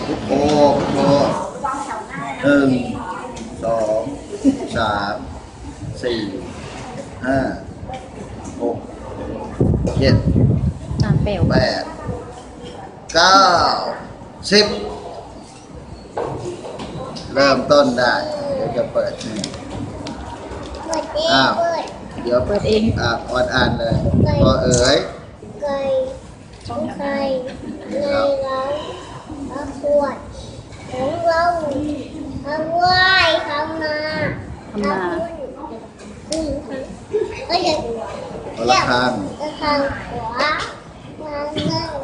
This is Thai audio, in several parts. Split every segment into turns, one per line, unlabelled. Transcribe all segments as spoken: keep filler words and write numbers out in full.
พุทโธพุทโธหนึ่งสองสามสี่ห้าหกเจ็ด
ตามเปลว
แปดเก้าสิบเริ่มต้นได้เดี๋ยวจะเปิดอ้าวเดี๋ยว
เปิดเอง
อ่าออนอ่านเลยพอเอ๋ย
ไก่ไก่ในเราอาขวดของเราทำไหวทำนาทำนาอืมก็จะเรียกจะทางขวามาเงิน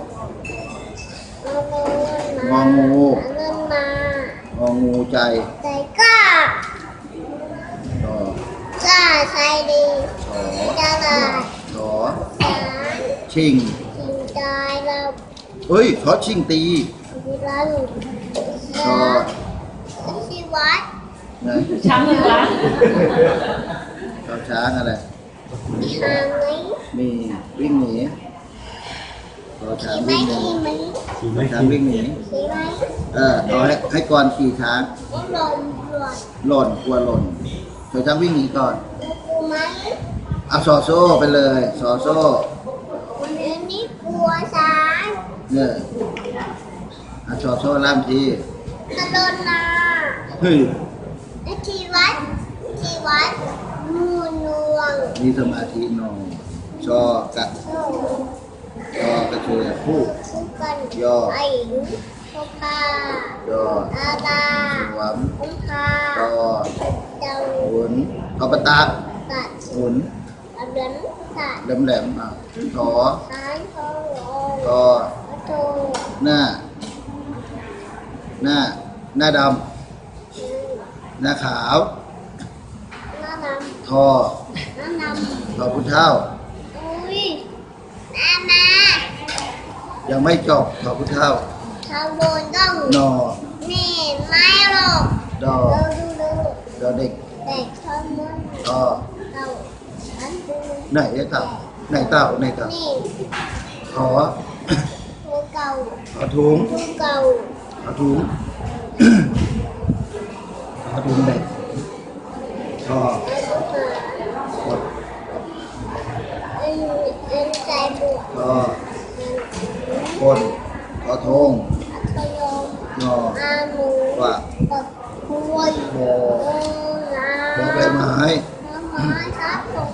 งองู
เงินมาง
องูใจ
ใจกล้า
ต่อก
ล้าใจดี
ฉอ
จะลาย
ฉอชิง
ชิงใจเรา
เฮ้ยฉอชิงตี
เรา
ฉอ
ชีวัด
ไง
ช้างเหรอ
ฉอช้างอะไร
มีทางไหม
มีวิ่งหนีฉอช้างวิ่งหนีช้างวิ่งหนีเออเอาให้ให้ก่อนขี่ช้างหล่นกลัวหล่นฉอช้างวิ่งหนีก่อนเอาซอโซ่ไปเลยซอโซ่
อันนี้กลัวช้าง
เนี่ยเอาซอโซ่ล่ามที
ตะลนนา
เฮ้ย
ชีวัดชีวัดมูนวง
มีสมาธินองชอกะชอกระเชือผู้ยอ
ไอ้พกาย
อ
อาตา
สวม
พุทธา
ตอ
เจ้า
หุนทอปตา
ตัด
หุน
เดินตัด
แหลมแหลมอ่ะทอ
หานทอง
ตอ
โต
หน้าหน้าหน้าดำหน้าขาว
น้าดำ
ทอ
น้าดำ
ทอพุทธเท่า
อุ้ยน้ามา
ยังไม่จบทอพุทธเท่า
ชาวโบนต้อง
นอ
นี่ไม่หรอก
ดอ
ดูดู
ดอเด็ก
เด็กชอบมัน
ทอ
เต่าอันดู
ไหนเต่าไหนเต่าไหนเต่า
นี่
ขอ
ตัวเก่า
ขอถุง
ตัวเก่า
ขอถุงขอถุงเด็กขอหมด
เอ็นเอ็นใจบวก
ขอคนขอทง
ขยม
งอ
อาหมู
ว่า
ตะคุย
โม
นา
โมใบไม้
ไม้ครับผม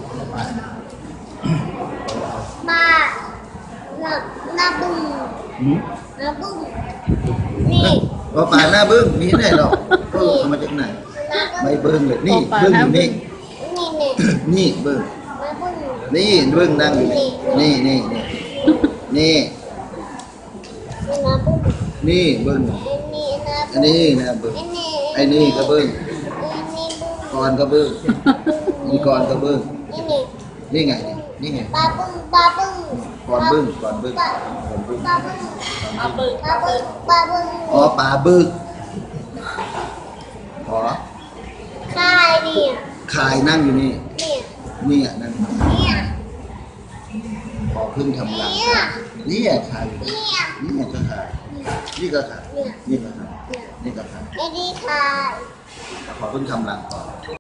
บ้าหน้าหน้าบึ้งหน้าบึ้งนี่
ว่าป่าหน้าบึ้งมีไหนหรอกก็เอามาจากไหนไม่บึ้งเลยนี่บึ้งอยู่นี่นี่บึ้งนี่บึ้งนั่งอยู่นี่นี่นี่นี่นี่บึ้งอันนี้นะบึ้งไอ้นี่ก็บึ้งก่อนก็บึ้งนี่ก่อนก็บึ้งนี่ไงนี่ไง
ปลาบึ้งปลาบึ้ง
ก่อนบึ้งก่อนบึ้งก่อนบึ้ง
ปลาบึ้งปลาบึ้งปลาบึ้งปลาบึ้ง
อ๋อปลาบึ้งขอ
คายเนี่ย
คายนั่งอยู่นี่
เนี่ย
นี่นั่ง
เนี่ย
ขอขึ้นทำรังนี่คายนี่ก็คายนี่ก็คายนี่ก็คายนี่ก็คาย
ไอ้นี่คาย
ขอขึ้นทำรังก่อน